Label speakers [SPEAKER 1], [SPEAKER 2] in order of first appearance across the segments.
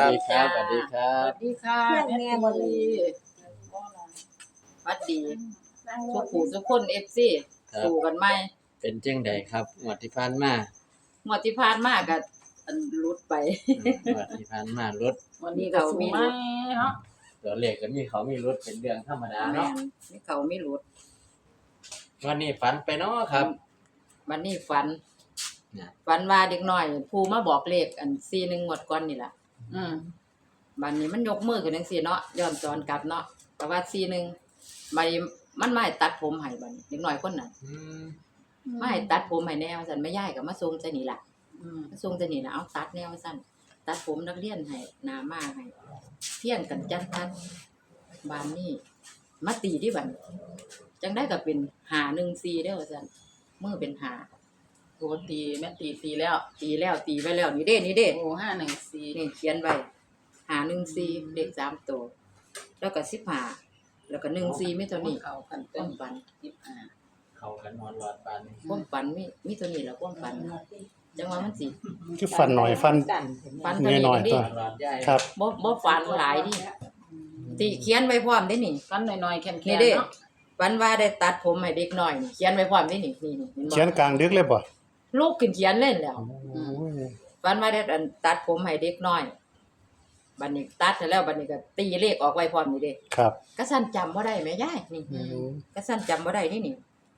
[SPEAKER 1] ดีครับสวัสดีครั
[SPEAKER 2] ส
[SPEAKER 1] บ
[SPEAKER 2] วัสดีค่ะแม่บุรีสวัสดีทุกผู้ทุกคน FC
[SPEAKER 1] ครับ
[SPEAKER 2] สู่กันใหม่
[SPEAKER 1] เป็นจังไดครับงวดที่ผ่านมา
[SPEAKER 2] งวดที่ผ่านมาก็อันหลุดไป
[SPEAKER 1] งวดที่ผ่านมารถ
[SPEAKER 2] วันนี้เขามีหลุด
[SPEAKER 3] เนาะ
[SPEAKER 1] ตัวเลขก็มีเขามีรถเป็นเรื่องธรรมดา
[SPEAKER 2] แม่
[SPEAKER 1] เนาะ
[SPEAKER 2] นมีเขามีหลุด
[SPEAKER 1] วันนี้ฝันไปเนาะครับ
[SPEAKER 2] วันนี้ฝัน
[SPEAKER 1] เนี่ย
[SPEAKER 2] ฝันว่าเด็กน้อยผู้มาบอกเลขอัน41งวดก่อนนี่ล่ะ
[SPEAKER 3] อืม
[SPEAKER 2] บัดนี้มันยกมือขึ้นจังซี่เนาะย้อนสอนกลับเนาะแต่ว่า41บัดนี้มันมาให้ตัดผมให้บัดนี้เด็กน้อยคนนั้น
[SPEAKER 1] อืม
[SPEAKER 2] มาให้ตัดผมให้แนวซั่นแม่ยายก็มาส่งจังนี่ล่ะ
[SPEAKER 3] อืม
[SPEAKER 2] มาส่งจังนี่ล่ะเอาตัดแนวซั่นตัดผมนักเรียนให้หน้ามาให้เพี้ยนกันจัดตัดบานนี้มาตีที่บัดจังได้ก็เป็น514เด้อว่าซั่นมือเป็น5
[SPEAKER 3] โหตีแม่ตีแล้ว
[SPEAKER 2] ตีแล้วตีไว้แล้วนี่เด้นี่เด้
[SPEAKER 3] โอ้514
[SPEAKER 2] นี่เขียนไว้514เลข3ตัวแล้วก็15แล้วก็14มีเท่านี้
[SPEAKER 3] เขากัน
[SPEAKER 2] ค
[SPEAKER 3] เต็
[SPEAKER 2] วาม มฝัน
[SPEAKER 3] 15
[SPEAKER 1] เขากันนอนหลอดปานนี้
[SPEAKER 2] ความฝันมีเท่านี้แหละความฝันจังว่ามันสิ
[SPEAKER 4] คือฟันหน่อยฟัน
[SPEAKER 2] ฝันเท่านี้
[SPEAKER 4] น้อยๆ
[SPEAKER 2] ดิ
[SPEAKER 4] ตัว
[SPEAKER 1] หลอดใหญ่
[SPEAKER 4] ครับ
[SPEAKER 2] บ่ฝันหลายดิติเขียนไว้พร้อมเด้นี่
[SPEAKER 3] กันหน่อยๆแข็ง
[SPEAKER 2] นี่
[SPEAKER 3] ๆ
[SPEAKER 2] เด้
[SPEAKER 3] เนาะ
[SPEAKER 2] ฝันว่าได้ตัดผมให้เด็กน้อยนี่เขียนไว้พร้อมเด้นี่นี่เห็นบ่
[SPEAKER 4] เขียนกลางดึกเลยบ่
[SPEAKER 2] ลูกขึ้นเขียนเล่นแล้ว
[SPEAKER 4] โอ้ย
[SPEAKER 2] ฝันว่าได้อันตัดผมให้เด็กน้อยบัดนี้ตัดเสร็จแล้วบัดนี้ก็ตีเลขออกไว้พร้อมนี่เด้
[SPEAKER 4] ครับ
[SPEAKER 2] ก็สั่นจำบ่ได้แม่ยายนี่
[SPEAKER 4] อืม
[SPEAKER 2] ก็สั่นจำบ่ได้นี่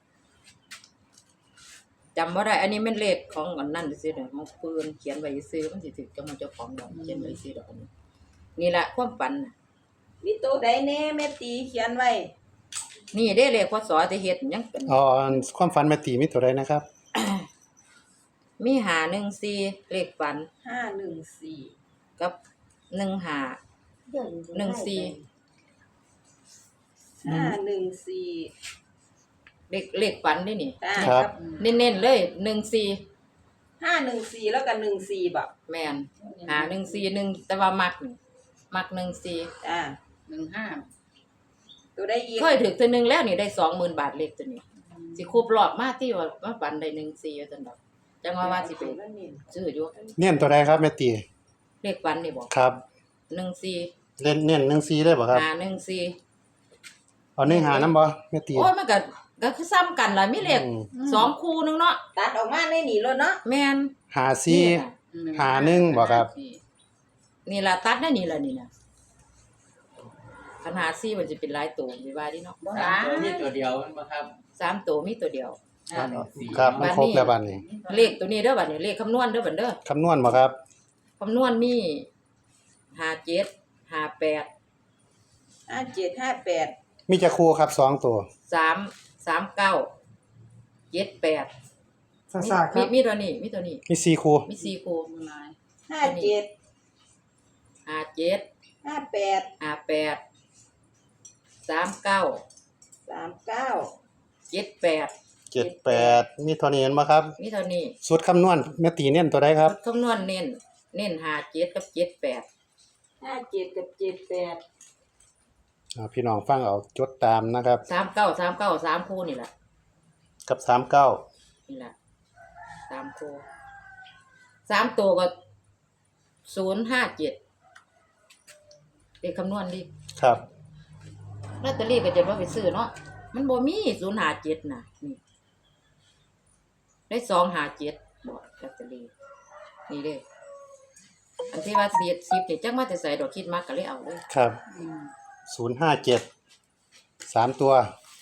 [SPEAKER 2] จำบ่ได้อันนี้แม่นเลขของอันนั้นซื่อๆเด้อของปืนเขียนไว้ซื่อมันสิถึกกับมันเจ้าของดอกเขียนไว้ซื่อดอกอันนี้นี่ล่ะความฝันน่ะ
[SPEAKER 5] มีตัวใดแน่แม่ตีเขียนไว้
[SPEAKER 2] นี่เด้เลขพศที่เฮ็ดยังเป็น
[SPEAKER 4] อ๋ออันความฝันแม่ตีมีตัวใดนะครับ
[SPEAKER 2] มี514เลขฝัน
[SPEAKER 5] 514
[SPEAKER 2] กับ15
[SPEAKER 5] 514
[SPEAKER 2] เลขฝันนี่นี่
[SPEAKER 5] อ่า
[SPEAKER 4] ครับ
[SPEAKER 2] เน้นๆเลย
[SPEAKER 5] 514แล้วก็14บ่
[SPEAKER 2] 14แม่น514แต่ว่ามัก14
[SPEAKER 5] อ่า
[SPEAKER 3] 15
[SPEAKER 5] ตัวใดอีก
[SPEAKER 2] เคยถึกเทื่อนึงแล้วนี่ได้ 20,000 บาทเลขตัวนี้สิครบรอบมาที่ว่าฝันได้14ว่าซั่นดอกจังว่าสิไปซื้ออยู่
[SPEAKER 4] เน้นตัวใดครับแม่ตี
[SPEAKER 2] เลขฝันนี่บ่
[SPEAKER 4] ครับ
[SPEAKER 2] 14
[SPEAKER 4] เน้น14เลยบ่ครับ
[SPEAKER 2] 514
[SPEAKER 4] เอา1หานํบ่แม่ตี
[SPEAKER 2] โอ้ยมันก็คือซ้ำกันล่ะมีเลข
[SPEAKER 4] อืม
[SPEAKER 2] 2คู่นึงเนาะ
[SPEAKER 5] ตัดออกมาในนี่แล้วเนาะ
[SPEAKER 2] แม่น
[SPEAKER 4] 54 หาหนึ่งบ่ครับ
[SPEAKER 2] นี่ล่ะตัดได้นี่ล่ะนี่น่ะขนาด4มันจะเป็นหลายตัวสิว่าดิเนาะ
[SPEAKER 1] ตัวนี้ตัวเดียวมันบ่ครับ
[SPEAKER 2] 3ตัวมีตัวเดียว
[SPEAKER 4] ครับมันครบแล้วบัดนี้
[SPEAKER 2] เลขตัวนี้เด้อบัดนี้เลขคำนวณเด้อบัดเด้อ
[SPEAKER 4] คำนวณบ่ครับ
[SPEAKER 2] คำนวณมี57 58
[SPEAKER 5] 5758
[SPEAKER 4] มีจักคู่ครับ2ตัว
[SPEAKER 2] 339 78
[SPEAKER 4] ซ่าๆครับ
[SPEAKER 2] มีตัวนี้มี
[SPEAKER 4] มี4คู่
[SPEAKER 2] มี4คู่
[SPEAKER 5] 57
[SPEAKER 2] 57
[SPEAKER 5] 58
[SPEAKER 2] 58 39
[SPEAKER 5] 39
[SPEAKER 2] 78
[SPEAKER 4] 78มีเท่านี้เห็นบ่ครับ
[SPEAKER 2] มีเท่านี้
[SPEAKER 4] สูตรคำนวณแม่ตีเน้นตัวใดครับ
[SPEAKER 2] คำนวณเน้น57กับ78
[SPEAKER 5] 57กับ78
[SPEAKER 4] พี่น้องฟังเอาจดตามนะครับ
[SPEAKER 2] 39 3คู่นี่ล่ะ
[SPEAKER 4] กับ39
[SPEAKER 2] นี่ล่ะ3คู่3ตัวก็057เลขคำนวณดิ
[SPEAKER 4] ครับ
[SPEAKER 2] ลอตเตอรี่ก็จะว่าไปซื้อเนาะมันบ่มี057น่ะนี่ได้257บ่ลอตเตอรี่นี่เด้อันที่ว่า10นี่จักมาแต่ใส่ดอกคิดมากก็เลยเอาเลย
[SPEAKER 4] ครับ057 3ตัว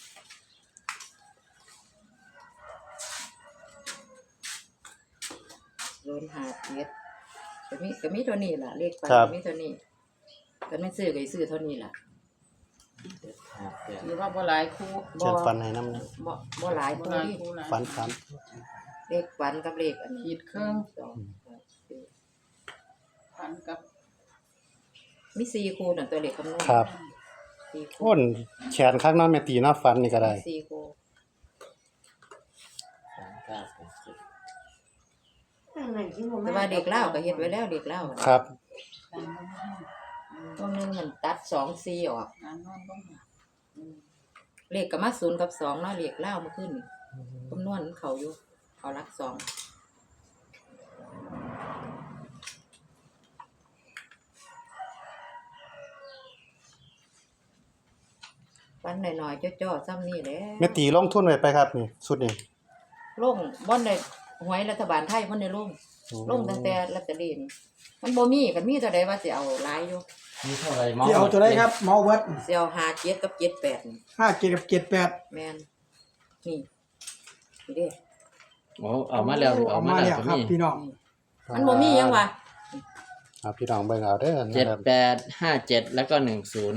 [SPEAKER 2] 057ก็มีเท่านี้ล่ะเลขไป
[SPEAKER 4] ครับ
[SPEAKER 2] มีเท่านี้ก็ไม่ซื้อก็ซื้อเท่านี้ล่ะ
[SPEAKER 3] หรือว่าบ่หลายคู่
[SPEAKER 4] เชิญฟันให้น้ำนะ
[SPEAKER 2] บ่หลาย
[SPEAKER 3] บ่
[SPEAKER 2] ตัว
[SPEAKER 3] หลาย
[SPEAKER 2] นี่
[SPEAKER 3] คู่หลาย
[SPEAKER 4] ฟันสาม
[SPEAKER 2] เลขฝันกับเลขอันนี้
[SPEAKER 3] ขีดครึ่ง
[SPEAKER 2] 2
[SPEAKER 3] พันกับ
[SPEAKER 2] มี4คู่นั่นตัวเลขคำนวณ
[SPEAKER 4] ครับ
[SPEAKER 2] 4คู่
[SPEAKER 4] โอ้นแขนข้างน้าแม่ตีเนาะฟันนี่ก็ได้
[SPEAKER 2] 4คู่ แต่ว่าเด็กเล่าวก็เฮ็ดไว้แล้วเด็กเล่าว
[SPEAKER 4] ครับ
[SPEAKER 2] ตัวหนึงมันตัด2 4ออก
[SPEAKER 3] งานนอนบ่หา
[SPEAKER 2] เลขก็มา0กับ2เนาะเลขเล่าวเมื่อคืนนี่คำนวณเขาอยู่เขารัก2 ฝันหน่อยๆจ้อๆซ้ำนี่แหละ
[SPEAKER 4] แม่ตีลงทุนไว้ไปครับนี่ชุดนี้
[SPEAKER 2] ลงบ่ได้หวยรัฐบาลไทยบ่ได้ลงตั้งแต่ลอตเตอรี่นี่มันบ่มีก็มีเท่าใดว่าสิเอาหลายอยู่
[SPEAKER 1] มีเท่าไหร่มอง
[SPEAKER 6] ที่เอาตัวได้ครับเมาเวิร์ด
[SPEAKER 2] สิเอา57กับ78นี่
[SPEAKER 6] 57กับ78
[SPEAKER 2] แม่นนี่นี่เด้
[SPEAKER 1] โอ้เอามาแล้วเอามาแล้วก็
[SPEAKER 6] ครับ
[SPEAKER 1] มี
[SPEAKER 6] พี่น้อง
[SPEAKER 2] มันบ่มีหยังวะ
[SPEAKER 4] เอาพี่น้องเบิ่งเอาเด้อนะ
[SPEAKER 1] เจ็ด
[SPEAKER 4] ครับ
[SPEAKER 1] แปดห้าเจ็ดแล้วก็10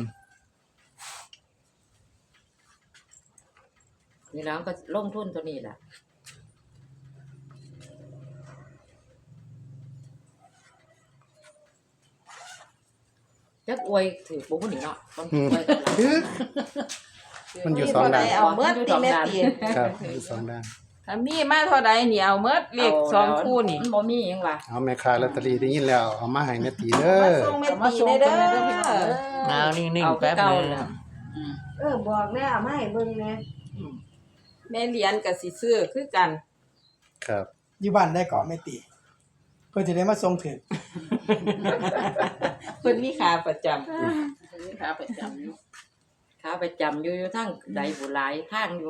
[SPEAKER 2] นี่แล้วก็ลงทุนตัวนี้ล่ะจักอวยถือบ่ฮู้นี่เนาะต้องอวยกับเรา
[SPEAKER 4] มันอยู่สองด้าน
[SPEAKER 5] เอาเมื่อตีแม่ตี
[SPEAKER 4] ครับอยู่สองด้าน
[SPEAKER 3] ถ้ามีมาเท่าใดนี่เอาเมดเลขสองคู่นี่
[SPEAKER 2] มันบ่มีหยังวะ
[SPEAKER 4] เอาแม่ค้าลอตเตอรี่ได้ยินแล้วเอามาให้แม่ตีเด้
[SPEAKER 5] มา
[SPEAKER 4] อ
[SPEAKER 5] ส่งแม่
[SPEAKER 3] เอามา
[SPEAKER 5] ตี
[SPEAKER 3] ส่ง
[SPEAKER 5] ได้
[SPEAKER 3] เพิ่น
[SPEAKER 5] เด้
[SPEAKER 3] เด้อพี่น้อง
[SPEAKER 5] อ
[SPEAKER 3] เด้อ
[SPEAKER 1] เอานิ่ง
[SPEAKER 2] เอา
[SPEAKER 1] ๆแป๊บ
[SPEAKER 2] คือเก่า
[SPEAKER 1] นึง
[SPEAKER 2] แล้ว
[SPEAKER 5] บอกแล้วเอามาให้เบิ่งแหน่
[SPEAKER 3] แม่เหรียญก็สิซื้อคือกัน
[SPEAKER 4] ครับ
[SPEAKER 6] อยู่บ้านได้ก่อนไม่ตี เพื่อจะได้มาส่งถึง
[SPEAKER 3] เพิ่นมีค่าประจำ
[SPEAKER 2] นี่ขาประจำอยู่ขาประจำอยู่ทางใดบุหลายทางอยู่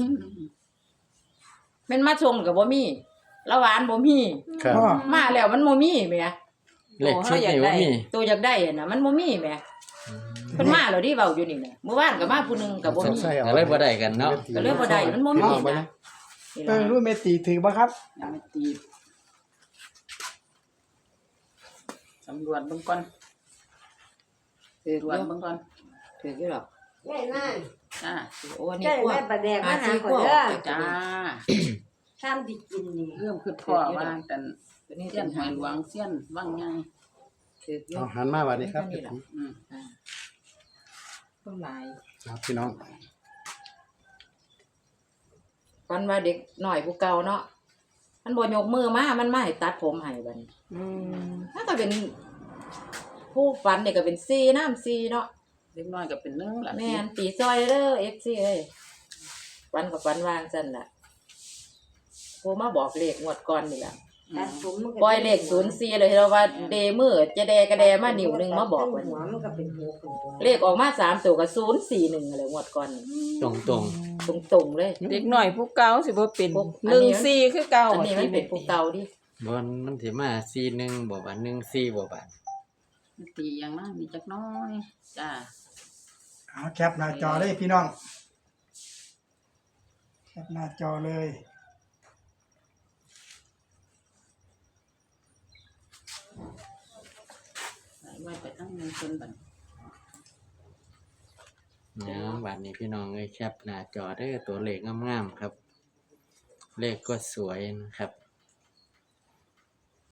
[SPEAKER 2] แม่นมาชงก็บ่มีละหวานบ่มี
[SPEAKER 4] ครับ
[SPEAKER 6] พ่อ
[SPEAKER 2] มาแล้วมันบ่มีแหม
[SPEAKER 1] เลขชุดนี่ว่ามี
[SPEAKER 2] ตัวอยากได้น่ะมันบ่มีแหมเพิ่นมาแล้วดิเว้าอยู่นี่น่ะเมื่อวานก็มาผู้หนึงก็บ่
[SPEAKER 4] สง
[SPEAKER 2] มี
[SPEAKER 4] สัยเอา
[SPEAKER 1] ก็เลยบ่ได้กันเนาะ
[SPEAKER 2] ก็เลยบ่ได้มันบ่มี
[SPEAKER 4] เอาไป
[SPEAKER 2] นะ
[SPEAKER 4] เลย
[SPEAKER 2] นี่
[SPEAKER 6] เอ
[SPEAKER 2] ล่ะ
[SPEAKER 6] อรู้ไม่ตีถือป่ะครับ
[SPEAKER 3] ยังไม่ตีสำรวจเบิ่งก่อน
[SPEAKER 2] ถือ
[SPEAKER 3] ตรวจเบิ่งก่อน
[SPEAKER 2] ถืออยู่หรอก
[SPEAKER 5] แม่นั่น
[SPEAKER 3] จ้า
[SPEAKER 2] โอ้อันนี้
[SPEAKER 5] ใช่
[SPEAKER 2] พวก
[SPEAKER 5] แม่ประแดกมาหา
[SPEAKER 2] หา
[SPEAKER 5] ข่อย
[SPEAKER 2] ซื้อ
[SPEAKER 5] เด้อ
[SPEAKER 2] พวก
[SPEAKER 3] จ้า
[SPEAKER 5] ข้ามที่กินนี่
[SPEAKER 3] เริ่มคือพ่อว่ากัน
[SPEAKER 2] ตัวนี้
[SPEAKER 3] เสี้ยนหอยหลวงเสี้ยนวังใหญ่
[SPEAKER 2] ถืออยู่
[SPEAKER 4] เอาหันมาบัดนี้ครับ
[SPEAKER 2] นี่ล่ะ
[SPEAKER 3] อืม
[SPEAKER 2] อ่าต้นลาย
[SPEAKER 4] ครับพี่น้อง
[SPEAKER 2] ฝันว่าเด็กหน่อยผู้เก่าเนาะมันบ่ยกมือมามันมาให้ตัดผมให้บัดนี้ ถ้าก็เป็นผู้ฝันเนี่ยก็เป็นซีน้ำซีเนาะ
[SPEAKER 3] เล็กน้อยก็เป็น1ล่ะ
[SPEAKER 2] แม่นตีซอยเด้อเอฟซีเอ้ยฝันกับฝันวางซั่นล่ะผู้มาบอกเลขงวดก่อนนี่ล่ะ
[SPEAKER 5] ตัดผมมันก็
[SPEAKER 2] ปล่อยเลข04เลยเราว่าเดมือจะแดกระแดมานิ้วหนึงมาบอก
[SPEAKER 5] หั
[SPEAKER 2] ว่า
[SPEAKER 5] วมันก็เป็นหัวคนตัว
[SPEAKER 2] เลขออกมา3ตัวก็041อะไรงวดก่อน
[SPEAKER 1] ตรง
[SPEAKER 2] ตรงๆเลย
[SPEAKER 3] เด็กน้อยผู้เก่าสิบ่เป็น
[SPEAKER 2] พวกอันนี้
[SPEAKER 3] 14คือเก่า
[SPEAKER 2] อันนี้มันเป็นผู้เก่าดิ
[SPEAKER 1] ๆบนมันสิมา41บ่บาท14บ่บาท
[SPEAKER 3] ตีอย่างนั้นมีจักน้อยจ้า
[SPEAKER 6] เอาแคปหน้าจอเลยพี่น้อง แคปหน้าจอเลย
[SPEAKER 3] ไว้ไปทั้งเงินเพิ่นบัด
[SPEAKER 1] เนาะบัดนี้พี่น้องเอ้ยแคปหน้าจอเด้อตัวเลขงามๆครับ เลขก็สวยนะครับ